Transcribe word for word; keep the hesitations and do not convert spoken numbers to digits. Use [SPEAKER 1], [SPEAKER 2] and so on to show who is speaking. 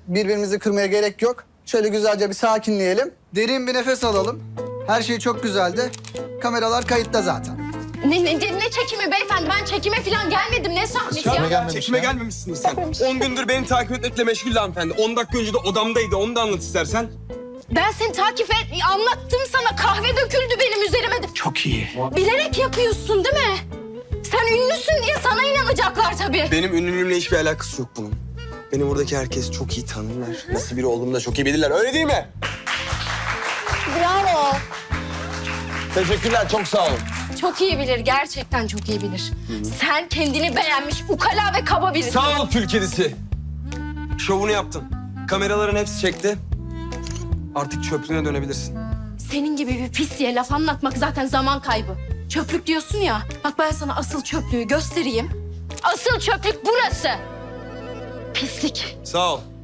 [SPEAKER 1] birbirimizi kırmaya gerek yok. Şöyle güzelce bir sakinleyelim. Derin bir nefes alalım. Her şey çok güzeldi. Kameralar kayıtta zaten.
[SPEAKER 2] Ne, ne, ne çekimi beyefendi? Ben çekime falan gelmedim. Ne sahnesi ya?
[SPEAKER 3] Çekime gelmemişsiniz sen. On gündür beni takip etmekle meşgul hanımefendi. On dakika önce de odamdaydı. Onu da anlat istersen.
[SPEAKER 2] Ben seni takip et, anlattım sana. Kahve döküldü benim üzerime de.
[SPEAKER 3] Çok iyi.
[SPEAKER 2] Bilerek yapıyorsun değil mi? Sen ünlüsün diye sana inanacaklar tabii.
[SPEAKER 3] Benim ünlülüğümle hiçbir alakası yok bunun. Beni buradaki herkes çok iyi tanırlar. Nasıl biri olduğumu da çok iyi bilirler. Öyle değil mi?
[SPEAKER 2] Bravo.
[SPEAKER 3] Teşekkürler. Çok sağ olun.
[SPEAKER 2] Çok iyi bilir, gerçekten çok iyi bilir. Sen kendini beğenmiş, ukala ve kaba birisin.
[SPEAKER 3] Sağ ol kül kedisi. Şovunu yaptın. Kameraların hepsi çekti. Artık çöplüğüne dönebilirsin.
[SPEAKER 2] Senin gibi bir pisliğe laf anlatmak zaten zaman kaybı. Çöplük diyorsun ya, bak ben sana asıl çöplüğü göstereyim. Asıl çöplük burası. Pislik.
[SPEAKER 3] Sağ ol.